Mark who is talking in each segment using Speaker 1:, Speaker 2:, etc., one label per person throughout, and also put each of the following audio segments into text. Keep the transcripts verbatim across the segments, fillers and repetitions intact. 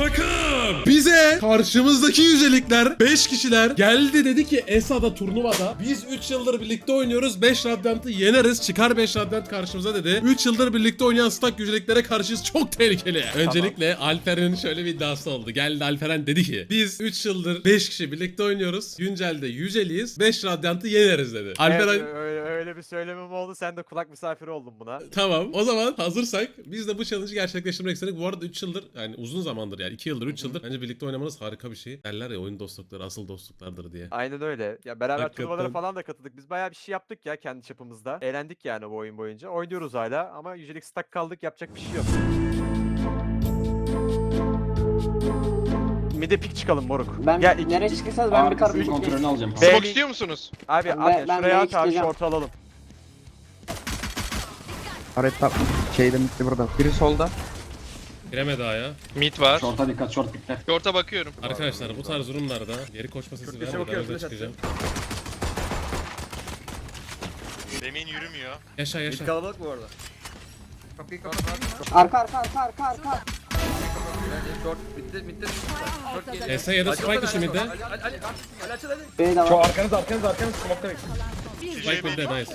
Speaker 1: Takım bize karşımızdaki yücelikler beş kişiler geldi, dedi ki Esa'da turnuvada biz üç yıldır birlikte oynuyoruz, beş radyantı yeneriz, çıkar beş radyant karşımıza dedi. üç yıldır birlikte oynayan stack yüceliklere karşıyız, çok tehlikeli. Öncelikle Alperen'in şöyle bir iddiası oldu. Geldi Alperen dedi ki biz üç yıldır beş kişi birlikte oynuyoruz, güncelde yüceliyiz, beş radyantı yeneriz dedi. Alperen
Speaker 2: Evet, öyle, öyle bir söylemem oldu. Sen de kulak misafiri oldun buna.
Speaker 1: tamam, o zaman hazırsak biz de bu challenge'ı gerçekleştirmek istedik. Bu arada üç yıldır, yani uzun zamandır, yani iki yıldır üç yıldır bence birlikte oynamanız harika bir şey. Derler ya, oyun dostlukları asıl dostluklardır diye.
Speaker 2: Aynen öyle. Ya beraber
Speaker 1: Hakikaten.
Speaker 2: turnuvalara falan da katıldık. Biz bayağı bir şey yaptık ya kendi çapımızda. Eğlendik yani bu oyun boyunca. Oynuyoruz hala ama yücelik stack kaldık, yapacak bir şey yok. Mide pik çıkalım moruk.
Speaker 3: Ben
Speaker 2: Gel iki,
Speaker 3: nereye
Speaker 2: iki-
Speaker 3: çıkırsanız ben bir
Speaker 4: Arkasının
Speaker 3: karpuz
Speaker 4: kontrolünü alacağım.
Speaker 2: Be-
Speaker 5: Smoke istiyor musunuz?
Speaker 2: Abi
Speaker 3: Ben-
Speaker 2: at ya,
Speaker 3: ben
Speaker 2: şuraya
Speaker 3: B'ye
Speaker 2: at abi,
Speaker 3: çıkacağım.
Speaker 2: short alalım.
Speaker 6: Harita şeyde bitti burada. Biri solda.
Speaker 1: Gireme daha ya.
Speaker 5: Mid var.
Speaker 4: Short'a dikkat, short dikkat.
Speaker 5: Short'a bakıyorum.
Speaker 1: Arkadaşlar bu tarz durumlarda geri koşma sesi
Speaker 2: köşe
Speaker 1: vermeden
Speaker 2: bakıyorum,
Speaker 1: öyle
Speaker 2: flash
Speaker 1: çıkacağım.
Speaker 7: Demin yürümüyor.
Speaker 1: Yaşa yaşa.
Speaker 2: Kalabalık bu arada.
Speaker 6: Kapıyı kapat.
Speaker 3: Arka arka arka arka arka.
Speaker 1: S ya da Spike dışı midde.
Speaker 3: B'ye de var.
Speaker 6: Arkanız arkanız arkanız smoke'ta bekleyin.
Speaker 1: Spike midde, nice.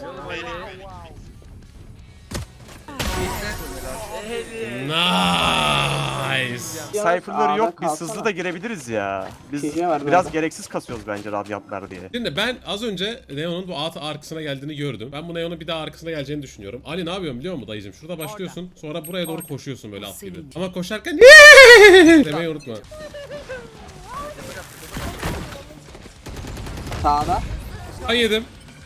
Speaker 1: Nice.
Speaker 2: Cypher'ları yok, biz
Speaker 3: kalsana.
Speaker 2: hızlı da girebiliriz ya. Biz
Speaker 3: Gece var
Speaker 2: biraz
Speaker 3: böyle.
Speaker 2: gereksiz kasıyoruz bence radyantlar diye.
Speaker 1: Şimdi ben az önce Neon'un bu at arkasına geldiğini gördüm. Ben bu Neon'un bir daha arkasına geleceğini düşünüyorum. Ali ne yapıyorsun biliyor musun dayıcım? Şurada başlıyorsun, sonra buraya doğru koşuyorsun böyle at gibi. Ama koşarken demeyi unutma.
Speaker 3: Sağda.
Speaker 1: Ben yedim.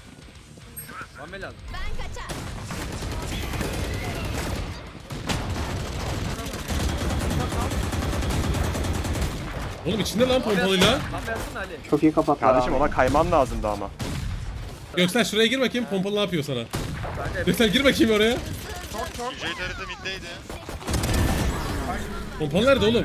Speaker 1: Oğlum içinde lan pompalıyla.
Speaker 3: Çok iyi kapattılar
Speaker 2: Kardeşim
Speaker 3: abi.
Speaker 2: ona kayman lazımdı ama.
Speaker 1: Göksel şuraya gir bakayım, pompalı ne yapıyor sana? Göksel gir bakayım oraya.
Speaker 7: Yüceği tarafı middeydi.
Speaker 1: Pompalı nerede oğlum?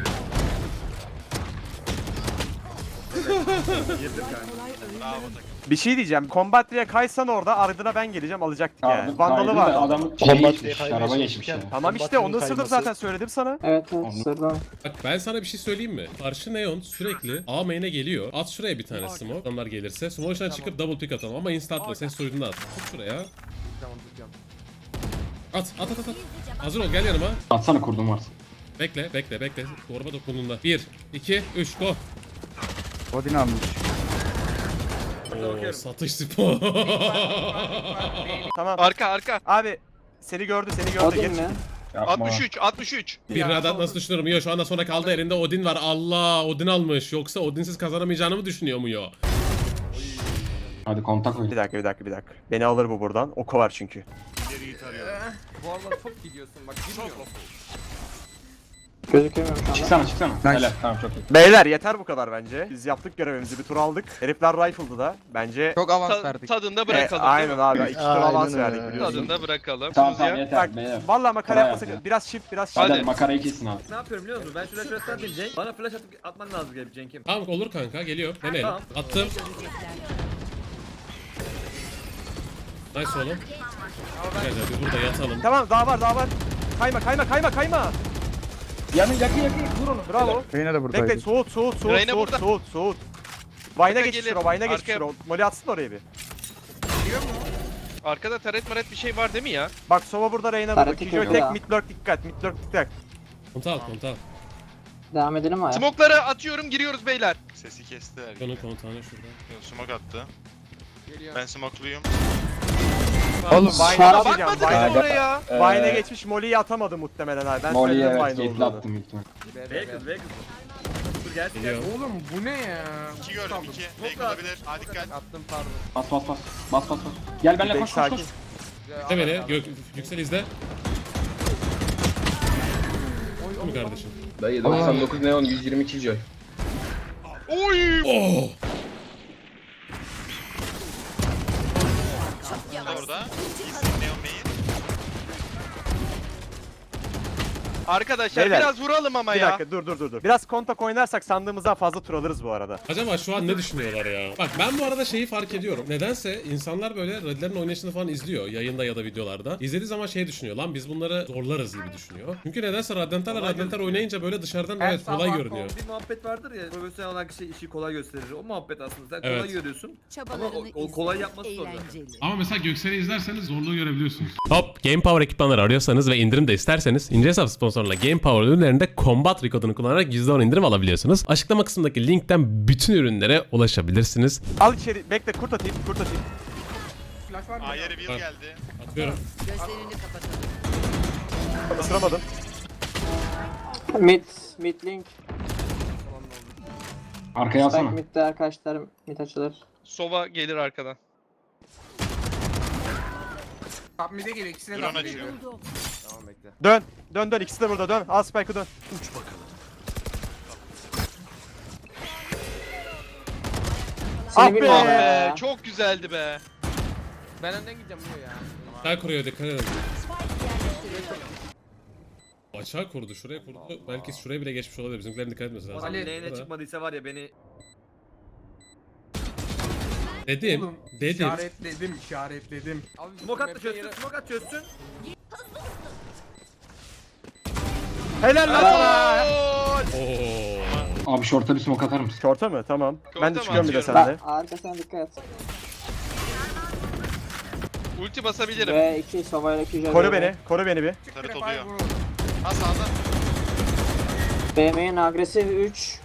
Speaker 7: Bravo takım.
Speaker 2: Bir şey diyeceğim. Combat'liye kaysan orada ardına ben geleceğim, alacaktık yani.
Speaker 4: Aldım,
Speaker 2: Vandalı
Speaker 4: kaydı
Speaker 2: var.
Speaker 4: da Adam şey geçmiş, araba geçmiş ya.
Speaker 2: Tamam işte onu ısırdım zaten, söyledim sana.
Speaker 3: Evet evet sırdan.
Speaker 1: Bak ben sana bir şey söyleyeyim mi? Karşı Neon sürekli A main'e geliyor. At şuraya bir tane smoke. Adamlar gelirse. Smoke'dan çıkıp double pick atalım ama instantla ses soyduğunda at. Tut şuraya. At at at at. at. Hazır ol, gel yanıma.
Speaker 4: Atsana kurdum varsa.
Speaker 1: Bekle bekle bekle. Torba dokunduğunda. bir, iki, üç, go.
Speaker 6: Odin almış.
Speaker 1: Oo, satış spor.
Speaker 2: Tamam.
Speaker 5: Arka arka.
Speaker 2: Abi seni gördü, seni gördü.
Speaker 3: Odin
Speaker 2: Geç.
Speaker 3: mi?
Speaker 4: Yapma.
Speaker 5: altmış üç altmış üç.
Speaker 1: Bir radat nasıl düşünüyorum? Yo şu anda sonra kaldı, elinde Odin var. Allah, Odin almış. Yoksa Odin'siz kazanamayacağını mı düşünüyor mu yo?
Speaker 4: Hadi kontak oyun.
Speaker 2: Bir dakika bir dakika bir dakika. Beni alır bu buradan. Oku var çünkü.
Speaker 3: Gözükemiyorum şu anda.
Speaker 4: Çıksana çıksana.
Speaker 6: Nice.
Speaker 4: Helal, tamam çok iyi.
Speaker 2: Beyler yeter bu kadar bence. Biz yaptık görevimizi, bir tur aldık. Herifler rifle'dı da. Bence
Speaker 6: Çok avans
Speaker 5: Ta-
Speaker 6: verdik.
Speaker 5: tadında
Speaker 2: E,
Speaker 5: bırakalım değil
Speaker 2: aynen
Speaker 5: mi?
Speaker 2: abi. İki tur avans
Speaker 6: Aynen
Speaker 2: verdik
Speaker 6: öyle.
Speaker 2: biliyorsun.
Speaker 5: Tadında bırakalım.
Speaker 4: Tamam
Speaker 5: Tuz
Speaker 4: tamam
Speaker 5: ya.
Speaker 4: yeter
Speaker 2: Bak
Speaker 4: beyler.
Speaker 2: vallahi makara
Speaker 4: Kolay
Speaker 2: yapmasak.
Speaker 4: yapın.
Speaker 2: Biraz shift, biraz shift.
Speaker 4: Hadi,
Speaker 5: Hadi.
Speaker 4: makarayı kesin abi.
Speaker 8: Ne yapıyorum biliyor musun? Ben şuraya şuraya atayım Cenk. Bana flash atıp atman lazım gelip Cenk'im.
Speaker 1: Tamam olur kanka, geliyor. Deneyelim.
Speaker 8: Tamam.
Speaker 1: Attım. Nice oğlum. Gel gel bir burada yatalım.
Speaker 2: Tamam, daha var daha var. Kayma kayma kayma kayma.
Speaker 4: Yanın yakın yakın vur onu.
Speaker 2: Bravo.
Speaker 6: Reyna da buradaydı.
Speaker 2: Bekle, soğut soğut soğut
Speaker 5: Reyna
Speaker 2: soğut
Speaker 5: burada.
Speaker 2: soğut soğut. Vine'a
Speaker 5: Arka
Speaker 2: geçmiş
Speaker 5: gelir.
Speaker 2: o, Vine'a geçmiş
Speaker 5: Arkaya-
Speaker 2: o. Molly atsın oraya bir.
Speaker 5: Arkada taret maret bir şey var değil mi ya?
Speaker 2: Bak Sova burada, Reyna burada.
Speaker 3: Tarafı
Speaker 2: Kijoy
Speaker 3: kötü
Speaker 2: tek,
Speaker 3: ya.
Speaker 2: mid lurk dikkat, mid lurk dikkat.
Speaker 1: Konta al konta al.
Speaker 3: Devam edelim mi?
Speaker 5: Smoke'ları atıyorum, giriyoruz beyler.
Speaker 7: Sesi kestiler.
Speaker 1: Konun kontağını şurada.
Speaker 7: Yok, smoke attı. Ben smokeluyum.
Speaker 6: Oğlum
Speaker 2: Vine'a
Speaker 3: Şarap-
Speaker 2: atacağım.
Speaker 5: Bakmadınız
Speaker 2: Vine'a
Speaker 5: mı oraya?
Speaker 2: Vine'a geçmiş, Molly'yi atamadı muhtemelen abi. Ben
Speaker 4: Molly'ye
Speaker 2: söyledim
Speaker 4: evet
Speaker 2: Vine
Speaker 4: gate'li
Speaker 2: olduğunu.
Speaker 4: attım büyük ihtimal.
Speaker 8: V kız V kız. Dur gel gel.
Speaker 1: Geliyor.
Speaker 6: Oğlum bu ne ya?
Speaker 7: İki gördüm, iki. Fake olabilir. Hadi dikkat.
Speaker 8: Attım pardon.
Speaker 4: Bas bas bas. Bas bas bas. Gel benimle
Speaker 2: Bek
Speaker 4: koş koş koş.
Speaker 2: sakin.
Speaker 1: İzle beni. Gök, Yüksel izle. Değil mi kardeşim?
Speaker 9: Dayı doksan dokuz neon yüz yirmi iki joy.
Speaker 5: Oy!
Speaker 1: Oh!
Speaker 7: Orada. İyisin, Neon Main.
Speaker 5: Arkadaşlar
Speaker 2: Beyler,
Speaker 5: biraz vuralım ama
Speaker 2: Bir
Speaker 5: ya.
Speaker 2: dakika dur dur dur dur. Biraz kontak oynarsak sandığımızdan fazla tur alırız bu arada.
Speaker 1: Acaba şu an ne düşünüyorlar ya? Bak ben bu arada şeyi fark ediyorum. Nedense insanlar böyle Red'lerin oynayışını falan izliyor. Yayında ya da videolarda. İzlediği zaman şey düşünüyor. Lan biz bunları zorlarız gibi düşünüyor. Çünkü nedense Radiant'larla
Speaker 8: Kolay
Speaker 1: Radiant'lar
Speaker 8: gözüküyor.
Speaker 1: oynayınca böyle dışarıdan
Speaker 6: Her
Speaker 1: evet kolay
Speaker 6: sabah
Speaker 1: görünüyor.
Speaker 8: Bir muhabbet vardır ya, profesyonel olan kişi işi kolay gösterir. O muhabbet aslında. Sen
Speaker 1: Evet.
Speaker 8: kolay görüyorsun. Ama
Speaker 10: Çabalarını
Speaker 8: o, o kolay yapması zor.
Speaker 1: Ama mesela Göksel'i izlerseniz zorluğu görebiliyorsunuz. Hop, Game Power ekipmanları arıyorsanız ve indirim de isterseniz İnce Hesap sponsorluğuyla Game Power ürünlerinde Combat Re kodunu kullanarak yüzde on indirim alabiliyorsunuz. Açıklama kısmındaki linkten bütün ürünlere ulaşabilirsiniz.
Speaker 2: Al içeri bekle kurt atayım kurt atayım.
Speaker 6: Flash var mı?
Speaker 7: A yeri bir
Speaker 1: Var.
Speaker 7: geldi.
Speaker 1: Atıyorum.
Speaker 10: Gözlerini kapatalım.
Speaker 2: Isıramadım.
Speaker 3: Mid, mid link.
Speaker 4: Arkaya
Speaker 3: Spike
Speaker 4: alsana.
Speaker 3: midde arkadaşlar, mid açılır.
Speaker 5: Sova gelir arkadan.
Speaker 6: Top mid'e geliyor. İkisine de
Speaker 7: Drone
Speaker 6: top mid'e
Speaker 7: açıyor.
Speaker 6: geliyor.
Speaker 8: Tamam bekle.
Speaker 2: Dön. Dön dön ikisi de burada dön. Al Spike'ı dön.
Speaker 3: Seni
Speaker 2: Ah be!
Speaker 3: bilmiyorum
Speaker 5: Ah be,
Speaker 3: ya.
Speaker 5: çok güzeldi be.
Speaker 6: Ben önden gideceğim buraya ya.
Speaker 1: Sağ kuruyor, dikkat edin. Açığa kurdu, şuraya kurdu. Belki şuraya bile geçmiş olabilir. Bizimkilerin dikkat etmesi lazım.
Speaker 8: Ali
Speaker 6: Ali,
Speaker 8: neyine
Speaker 1: Burada.
Speaker 8: çıkmadıysa var ya beni.
Speaker 1: Dedim,
Speaker 6: Oğlum,
Speaker 1: dedim.
Speaker 6: işaretledim, işaretledim. Abi,
Speaker 8: Smoke at da
Speaker 6: map'e
Speaker 8: çözsün,
Speaker 6: yere-
Speaker 8: smoke at çözsün.
Speaker 2: Helal lan sana.
Speaker 5: Gol!
Speaker 1: Oo.
Speaker 4: Abi short'a bir smoke atar mısın?
Speaker 2: Şorta mı? Tamam.
Speaker 5: Şorta
Speaker 2: Ben de
Speaker 5: mı
Speaker 2: çıkıyorum bir de
Speaker 5: atıyorum?
Speaker 2: sende.
Speaker 3: Bak arkasına dikkat et.
Speaker 5: Ulti basabilirim.
Speaker 3: Ve iki Sova'yla iki Jade.
Speaker 2: Koru beni. Koru beni bir.
Speaker 7: Tarıt
Speaker 6: Prefire
Speaker 7: oluyor.
Speaker 6: vurur.
Speaker 7: Ha sağda.
Speaker 3: B M'in agresif üç.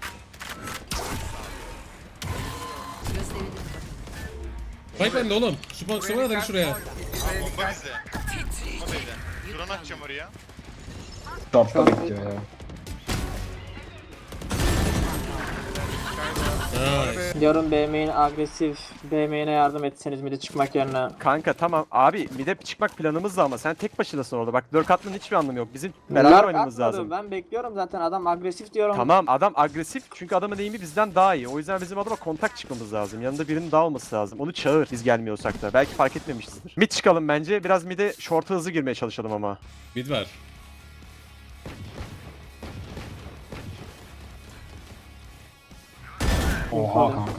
Speaker 10: Gözlerini
Speaker 1: Bak ben de oğlum. Şu baksana da şuraya.
Speaker 7: Bomba bizde. Bomba bizde. Drone atacağım oraya.
Speaker 4: Short'ta bekliyor ya.
Speaker 1: Nice.
Speaker 3: Diyorum B M'in agresif. B M'ine yardım etseniz mid'e çıkmak yerine.
Speaker 2: Kanka tamam abi mide çıkmak planımız da ama sen tek başınasın orada. Bak dört atmanın hiçbir anlamı yok. Bizim beraber
Speaker 3: Lurk
Speaker 2: oynamamız
Speaker 3: atmadı.
Speaker 2: lazım.
Speaker 3: Ben bekliyorum zaten adam agresif diyorum.
Speaker 2: Tamam adam agresif çünkü adamın eğimi bizden daha iyi. O yüzden bizim adama kontak çıkmamız lazım. Yanında birinin daha olması lazım. Onu çağır biz gelmiyorsak da. Belki fark etmemişizdir. Mid çıkalım bence. Biraz mid'e short'a hızlı girmeye çalışalım ama.
Speaker 1: Mid var.
Speaker 4: Oha kanka.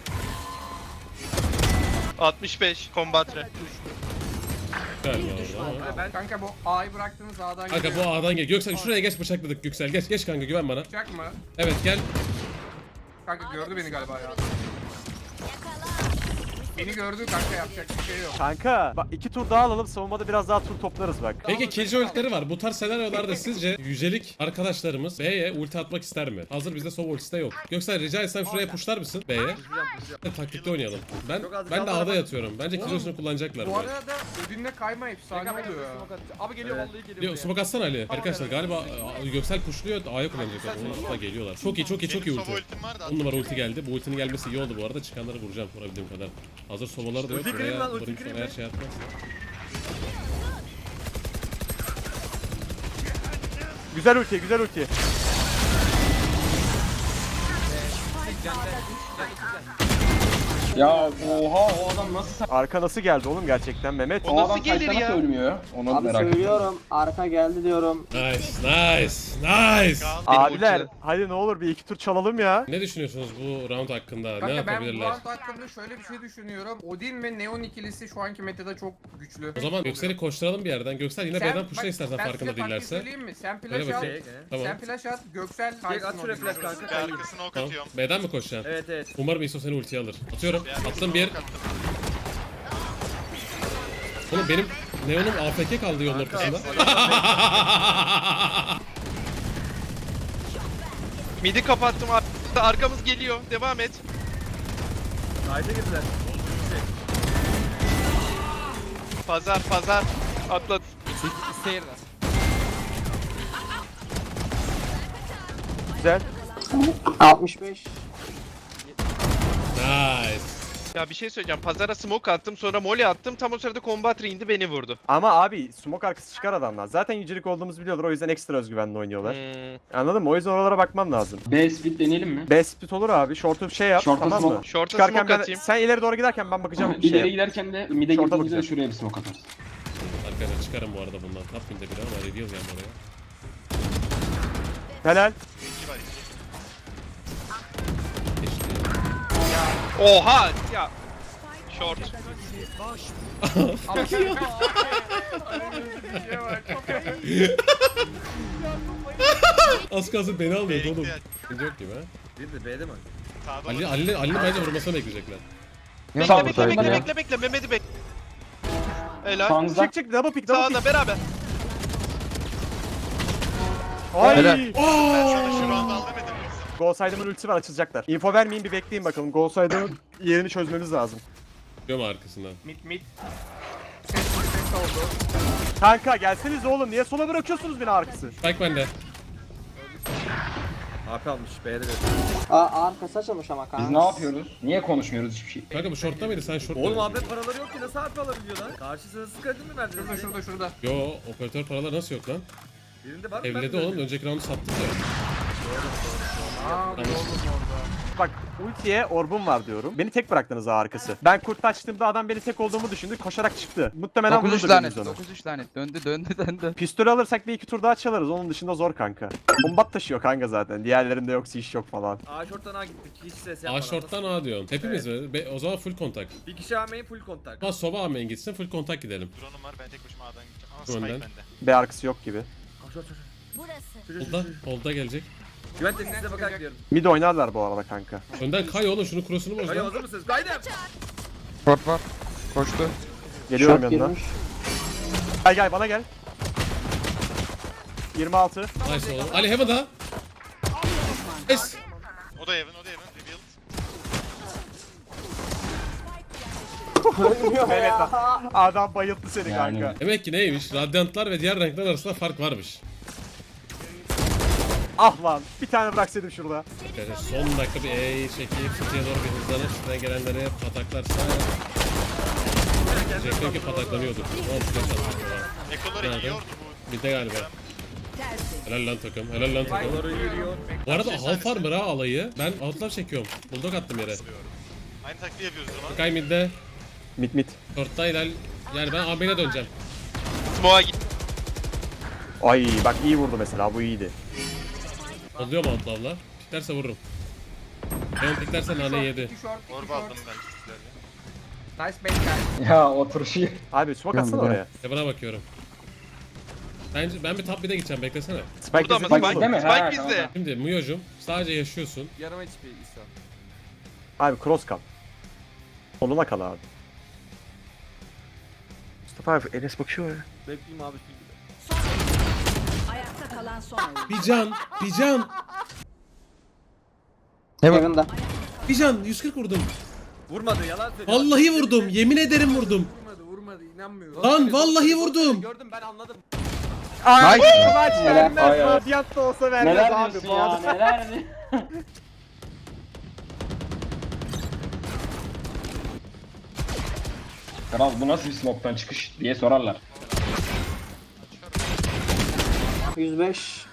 Speaker 5: altmış beş kombatre.
Speaker 1: Galiba orada ama.
Speaker 6: Ben kanka bu A'yı bıraktığınız A'dan
Speaker 1: Kanka
Speaker 6: geliyor.
Speaker 1: bu A'dan gel. Göksel şuraya geç bıçakladık Göksel. Geç geç kanka güven bana.
Speaker 6: Bıçak mı?
Speaker 1: Evet gel.
Speaker 6: Kanka gördü beni galiba ya. Beni gördü kanka, yapacak bir şey yok.
Speaker 2: Kanka bak iki tur daha alalım. Savunmada biraz daha tur toplarız bak.
Speaker 1: Peki Killjoy ultileri var. Bu tarz senaryolarda sizce yücelik arkadaşlarımız B'ye ulti atmak ister mi? Hazır bizde Sova ultisi de yok. Göksel rica etsem şuraya pushlar mısın B'ye? Taktikte oynayalım. Ben
Speaker 8: Çok az
Speaker 1: ben de
Speaker 8: kaldı
Speaker 1: A'da
Speaker 8: ama-
Speaker 1: yatıyorum. Bence Killjoy'sunu kullanacaklar.
Speaker 6: Bu
Speaker 1: böyle.
Speaker 6: arada Odin'le kayma efsane oluyor.
Speaker 8: Abi geliyor
Speaker 2: Evet.
Speaker 8: vallahi geliyor.
Speaker 1: Yo,
Speaker 8: buraya.
Speaker 1: smoke atsana Ali. Arkadaşlar galiba a, Göksel pushluyor. A'ya kullanacaklar. Onlar da geliyorlar. Çok iyi çok iyi çok iyi
Speaker 7: Benim
Speaker 1: ulti.
Speaker 7: Sova ultim var da.
Speaker 1: on numara ulti geldi. Bu ultinin gelmesi iyi oldu bu arada. Çıkanları vuracağım vurabildiğim kadar. Hazır sobaları da yok.
Speaker 8: Ulti kırayım
Speaker 1: Buraya
Speaker 8: lan, ulti
Speaker 1: vurayım
Speaker 8: kırayım
Speaker 1: sonra
Speaker 8: ben.
Speaker 1: her şey atmaz.
Speaker 2: Güzel ulti güzel ulti.
Speaker 4: Ya oha o adam nasıl sa-
Speaker 2: Arka nasıl geldi oğlum gerçekten Mehmet?
Speaker 5: O
Speaker 4: O
Speaker 5: nasıl
Speaker 4: adam
Speaker 5: gelir
Speaker 4: site'da
Speaker 5: ya?
Speaker 4: nasıl ölmüyor? Onu
Speaker 3: Abi
Speaker 4: merak ediyorum.
Speaker 3: söylüyorum arka geldi diyorum.
Speaker 1: Nice nice nice.
Speaker 7: Kaldı.
Speaker 2: Abiler
Speaker 5: ulti.
Speaker 2: hadi ne olur bir iki tur çalalım ya.
Speaker 1: Ne düşünüyorsunuz bu round hakkında? ne
Speaker 6: Kanka ben bu
Speaker 1: yapabilirler?
Speaker 6: round hakkında şöyle bir şey düşünüyorum. Odin ve Neon ikilisi şu anki metada çok güçlü.
Speaker 1: O zaman Göksel'i koşturalım bir yerden. Göksel yine B'den pushla
Speaker 6: bak,
Speaker 1: istersen
Speaker 6: ben
Speaker 1: farkında
Speaker 6: size taktiği
Speaker 1: değillerse.
Speaker 6: söyleyeyim mi? Sen
Speaker 1: Öyle
Speaker 6: flash at.
Speaker 1: bakayım.
Speaker 8: Şey, e.
Speaker 1: Tamam.
Speaker 6: Sen flash at. Göksel
Speaker 8: Direkt
Speaker 6: kaysın
Speaker 8: at şuraya
Speaker 6: Odin'i.
Speaker 8: flash kanka.
Speaker 7: Bir
Speaker 8: kayayım.
Speaker 7: arkasına ok
Speaker 1: Tamam.
Speaker 7: atıyorum.
Speaker 1: B'den mi koşacaksın?
Speaker 8: Evet evet.
Speaker 1: Umarım ISO seni ultiye alır. Atıyorum.
Speaker 7: Bir arkasına
Speaker 1: Attım bir.
Speaker 7: ok attım.
Speaker 1: Oğlum benim Neon'um A F K kaldı yolun ortasında.
Speaker 5: Midi kapattım abi. Arkamız geliyor. Devam et.
Speaker 8: Haydi girdiler.
Speaker 5: Pazar pazar. Atlat.
Speaker 2: Güzel.
Speaker 3: altmış beş.
Speaker 1: Nice.
Speaker 5: Ya bir şey söyleyeceğim. Pazara smoke attım, sonra molly attım. Tam o sırada kombatre indi, beni vurdu.
Speaker 2: Ama abi smoke arkası çıkar adamlar. Zaten yücelik olduğumuzu biliyorlar o yüzden ekstra özgüvenli oynuyorlar.
Speaker 5: Hmm.
Speaker 2: Anladın mı? O yüzden oralara bakmam lazım.
Speaker 4: B split deneyelim mi?
Speaker 2: B split olur abi. Short'u şey yap
Speaker 4: Short'a
Speaker 2: tamam
Speaker 4: smoke.
Speaker 2: mı?
Speaker 5: Short'a
Speaker 2: Çıkarken
Speaker 5: smoke
Speaker 2: ben,
Speaker 5: atayım.
Speaker 2: sen ileri doğru giderken ben bakacağım bir
Speaker 4: İleri
Speaker 2: şey.
Speaker 4: giderken de mid'e
Speaker 2: Short'a
Speaker 4: gittiğimizde de
Speaker 2: bakacağım.
Speaker 4: şuraya bir smoke atarız.
Speaker 1: Arkadaşlar çıkarım bu arada bundan. Top mid'de biri ama reveal geldi oraya.
Speaker 2: Helal.
Speaker 7: İki var iki.
Speaker 5: Oha ya. Short.
Speaker 1: Az kalsın beni almıyordu oğlum.
Speaker 7: Bekle.
Speaker 1: Sıkıntı yok gibi ha.
Speaker 8: Bir de B'de mi?
Speaker 7: Sağda
Speaker 1: Ali,
Speaker 7: var.
Speaker 1: Ali, Ali bence vurmasını bekleyecekler.
Speaker 5: Bekle
Speaker 4: Sağ
Speaker 5: bekle bekle
Speaker 4: ya.
Speaker 5: bekle bekle Mehmet'i bekle. Helal.
Speaker 4: Sağınızda.
Speaker 2: Çık çık double pick double pick.
Speaker 5: Sağda beraber.
Speaker 2: Ay.
Speaker 4: Helal.
Speaker 7: Ben sana şu round al demedim mi?
Speaker 2: Golside'ımın ultisi var, açılacaklar. Info vermeyin, bir bekleyin bakalım. Golside'ımın yerini çözmemiz lazım.
Speaker 1: Diyorum arkasından.
Speaker 6: Mid mid. Ses ses oldu.
Speaker 2: Kanka gelseniz oğlum, niye sola bırakıyorsunuz beni arkası?
Speaker 1: Spike bende.
Speaker 8: A P almış B'de de.
Speaker 3: Aa arkası açılmış ama kanka.
Speaker 9: Biz ne yapıyoruz? Niye konuşmuyoruz hiçbir şey?
Speaker 1: Kanka bu shortta mıydı? Sen short
Speaker 8: Oğlum
Speaker 1: dedin.
Speaker 8: abi paraları yok ki nasıl A P alabiliyor lan? Karşısına sık kredi mi verdiniz?
Speaker 6: Şurada şurada şurada.
Speaker 1: Yo, operatör paraları nasıl yok lan?
Speaker 8: Birinde var mı?
Speaker 1: Evledi oğlum. Önceki roundu sattık ya.
Speaker 6: Aa bir oğlum orada.
Speaker 2: Bak ultiye orbum var diyorum. Beni tek bıraktınız ha arkası. Ben kurt açtığımda adam beni tek olduğumu düşündü. Koşarak çıktı. Muhtemelen
Speaker 4: dokuz üç
Speaker 2: vururdu
Speaker 4: lanet.
Speaker 2: birimiz onu.
Speaker 4: dokuz üç lanet. Döndü döndü döndü.
Speaker 2: Pistol alırsak bir iki tur daha çalarız. Onun dışında zor kanka. Bombat taşıyor kanka zaten. Diğerlerinde yoksa iş yok falan.
Speaker 8: A short'tan A gittik. Hiç ses
Speaker 1: A
Speaker 8: yapmadan.
Speaker 1: short'tan A diyorsun. Hepimiz mi? Be- o zaman full kontak.
Speaker 8: Bir kişi A main full kontak.
Speaker 1: Ama Sova A main gitsin full kontak gidelim.
Speaker 7: Drone'um var ben tek başıma A'dan gideceğim. Ama
Speaker 1: Dur
Speaker 7: Spike
Speaker 1: önden.
Speaker 7: bende.
Speaker 2: B arkası yok gibi.
Speaker 8: A short short.
Speaker 10: Burası.
Speaker 1: Holda, holda gelecek.
Speaker 8: Güven tepkisine bakarak diyorum.
Speaker 2: Mid oynarlar bu arada kanka.
Speaker 1: Önden kay oğlum şunu cross'unu boz
Speaker 8: Hayır
Speaker 1: lan.
Speaker 8: hazır mısınız? Kaydım.
Speaker 4: Short var. Koştu.
Speaker 2: Geliyorum
Speaker 3: Short
Speaker 2: yanına.
Speaker 3: girmiş.
Speaker 2: Gel gel bana gel. yirmi altı.
Speaker 1: Nice oğlum. Ali Heaven'da. Nice.
Speaker 7: O da Evan o da Evan. Revealed.
Speaker 2: Evet lan. Adam bayılttı seni
Speaker 9: Yani.
Speaker 2: kanka.
Speaker 1: Demek ki neymiş? Radyantlar ve diğer renkler arasında fark varmış.
Speaker 2: Ah lan. Bir tane bıraksaydım şurada.
Speaker 1: Yani son dakika bir E'yi çekip City'ye doğru bir hızlanıp üstüne gelenleri pataklarsa... Diyecektim ki pataklanıyordu. Tamam flash atıyor.
Speaker 7: Ekoları
Speaker 1: Nerede?
Speaker 7: yiyordu bu.
Speaker 1: Bir de galiba. Helal lan takım. Helal lan takım.
Speaker 8: Doğru yürüyor.
Speaker 1: Bu arada half armor ha alayı. Ben outlaw çekiyorum. Bulldog attım yere.
Speaker 7: Aynı taktiği yapıyoruz o zaman.
Speaker 1: Sky midde.
Speaker 2: Mid mid.
Speaker 1: Short'ta hilal. Yani ben A main'e döneceğim.
Speaker 5: Smoke'a git.
Speaker 2: Ay bak iyi vurdu mesela, bu iyiydi.
Speaker 1: Oluyor mu outlaw'la? Piklerse vururum. Ben piklerse nane yedi.
Speaker 6: İki short, iki
Speaker 7: Orba
Speaker 6: short.
Speaker 7: aldım ben sizlerle.
Speaker 6: Nice bait guys.
Speaker 9: Ya oturuşu.
Speaker 2: Abi smoke atsana oraya.
Speaker 1: Heaven'a bakıyorum. Bence ben bir top mid'e gideceğim beklesene.
Speaker 2: Spike
Speaker 5: Burada mı
Speaker 2: bizi
Speaker 5: Spike?
Speaker 2: buldu.
Speaker 9: değil mi?
Speaker 5: Spike
Speaker 9: Ha,
Speaker 5: bizde.
Speaker 9: tamam.
Speaker 1: Şimdi Muyocum sadece yaşıyorsun.
Speaker 8: Yarım H P İsa.
Speaker 2: Abi cross kal. Sonuna kal abi. Mustafa abi Enes bakıyor ya.
Speaker 8: Bekleyeyim abi.
Speaker 10: Ayakta kalan son oyun.
Speaker 1: Bir can, bir can,
Speaker 3: Heaven'da.
Speaker 1: bir can. yüz kırk vurdum.
Speaker 8: Vurmadı yalan söylüyor.
Speaker 1: Vallahi vurdum. Yemin ederim vurdum.
Speaker 6: Vurmadı vurmadı inanmıyorum.
Speaker 1: Lan vallahi vurdum.
Speaker 8: Gördüm ben anladım.
Speaker 2: Ay
Speaker 4: Nice.
Speaker 2: maç
Speaker 3: Neler-
Speaker 2: vermez.
Speaker 9: Ay, ay.
Speaker 2: Radyant da olsa vermez
Speaker 4: Neler
Speaker 2: abi.
Speaker 4: diyorsun
Speaker 2: Bu
Speaker 4: ya
Speaker 2: adam-
Speaker 4: neler di-
Speaker 9: Kral bu nasıl bir smoke'tan çıkış diye sorarlar.
Speaker 3: yüz beş.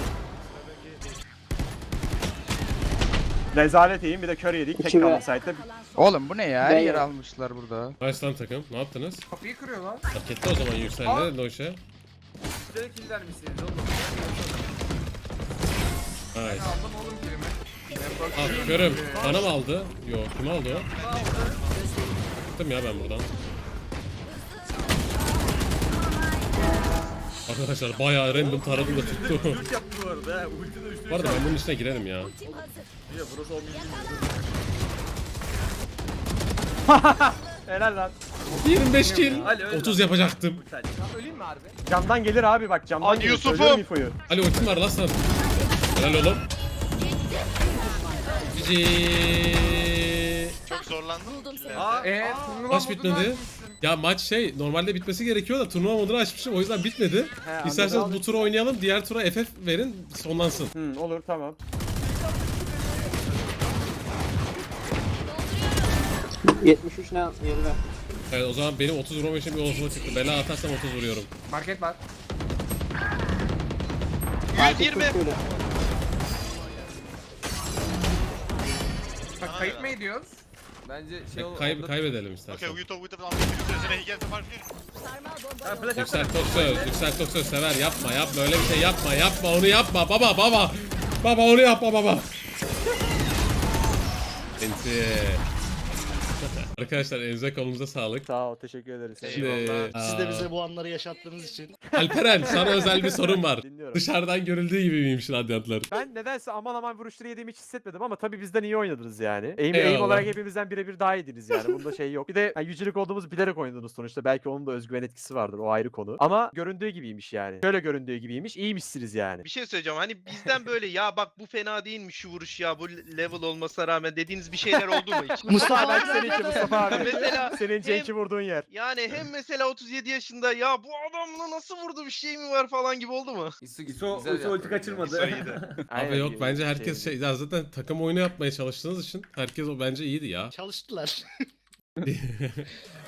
Speaker 2: Rezalet iyiyim, bir de kör yedik. Tek
Speaker 3: İki
Speaker 2: kaldı
Speaker 3: ve-
Speaker 2: site'de.
Speaker 10: Kalan son
Speaker 4: Oğlum bu ne ya? Her
Speaker 3: Ben-
Speaker 4: yer almışlar burada.
Speaker 1: Nice lan takım. Ne yaptınız?
Speaker 6: Kapıyı kırıyor lan.
Speaker 1: Hak etti o zaman yükseldi Noşe.
Speaker 8: Size killer misiniz oğlum?
Speaker 1: Nice.
Speaker 6: Aldım oğlum kilimi.
Speaker 1: Ah görüm. Bana mı aldı? Yok kim aldı o? Çıktım ya ben buradan. Arkadaşlar bayağı random taradım da tuttu.
Speaker 8: Ulti yaptı bu arada he. Ulti de üstüne
Speaker 1: Bu arada ben bunun içine girerim ya.
Speaker 8: Ya burası olmuyor.
Speaker 2: Helal lan.
Speaker 1: yirmi beş kill.
Speaker 8: Ali, öyle
Speaker 1: otuz
Speaker 8: lan.
Speaker 1: yapacaktım.
Speaker 8: Ulti Ali.
Speaker 6: Öleyim mi harbi?
Speaker 2: Camdan gelir abi bak, camdan
Speaker 5: Hadi
Speaker 2: gelir.
Speaker 5: Yusuf'um.
Speaker 2: Söylüyorum infoyu.
Speaker 1: Ali ultim var lan sana. Helal oğlum. Cici.
Speaker 7: Çok zorlandım.
Speaker 10: buldum seni.
Speaker 8: Aa,
Speaker 6: Eee turnuva
Speaker 1: Maç
Speaker 6: modunu
Speaker 1: bitmedi.
Speaker 6: açmışsın.
Speaker 1: Ya maç şey normalde bitmesi gerekiyor da turnuva modunu açmışım o yüzden bitmedi.
Speaker 2: He,
Speaker 1: İsterseniz
Speaker 2: anladım.
Speaker 1: bu turu oynayalım diğer tura F F verin sonlansın.
Speaker 2: Hı, olur tamam.
Speaker 3: yetmiş üç ne yerine.
Speaker 1: Evet o zaman benim otuz vurmam için bir olasılık çıktı. Bela atarsam otuz vuruyorum.
Speaker 6: Market var.
Speaker 5: yüz yirmi.
Speaker 3: Şöyle.
Speaker 6: Bak kayıt mı ediyoruz? Bence şey ol.
Speaker 1: Kay
Speaker 6: onda-
Speaker 1: kaybedelim istersen.
Speaker 7: Okay, we talk with the answer. He gets the mark.
Speaker 10: Sarmal bomba
Speaker 8: Ha
Speaker 10: yolda.
Speaker 8: flash
Speaker 1: Yüksel
Speaker 8: atsana.
Speaker 1: çok söz, yüksel çok söz sever. Yapma yapma öyle bir şey yapma yapma onu yapma baba baba. Baba onu yapma baba. Enti. Arkadaşlar elinize kolunuza sağlık.
Speaker 2: Sağ ol, teşekkür ederiz.
Speaker 1: Şimdi,
Speaker 11: Siz de
Speaker 1: aa,
Speaker 11: bize bu anları yaşattığınız için.
Speaker 1: Alperen sana özel bir sorum var.
Speaker 2: Dinliyorum.
Speaker 1: Dışarıdan görüldüğü gibi miymiş radyantlar?
Speaker 2: Ben nedense aman aman vuruşları yediğimi hiç hissetmedim ama tabii bizden iyi oynadınız yani. Aim, aim
Speaker 1: Eyvallah.
Speaker 2: olarak hepimizden birebir daha iyiydiniz yani. Bunda şey yok. Bir de yani yücelik olduğumuzu bilerek oynadınız sonuçta. Belki onun da özgüven etkisi vardır. O ayrı konu. Ama göründüğü gibiymiş yani. Şöyle göründüğü gibiymiş. İyiymişsiniz yani.
Speaker 5: Bir şey söyleyeceğim hani bizden böyle ya bak bu fena değilmiş şu vuruş ya bu level olmasına rağmen dediğiniz bir şeyler oldu mu hiç?
Speaker 2: Mustafa belki seninki Mustafa abi.
Speaker 5: Mesela
Speaker 2: Senin
Speaker 5: hem-
Speaker 2: Cenk'i vurduğun yer.
Speaker 5: Yani hem mesela otuz yedi yaşında ya bu adamla nasıl vurdu bir şey mi var falan gibi oldu mu?
Speaker 6: İso,
Speaker 8: İso,
Speaker 6: güzel
Speaker 8: İso ulti
Speaker 6: yaptın.
Speaker 8: kaçırmadı.
Speaker 7: So iyiydi.
Speaker 2: Aynen
Speaker 1: Abi yok
Speaker 2: gibi
Speaker 1: bence
Speaker 2: bir
Speaker 1: herkes
Speaker 2: şeydi.
Speaker 1: şey ya zaten takım oyunu yapmaya çalıştığınız için herkes o bence iyiydi ya.
Speaker 11: Çalıştılar.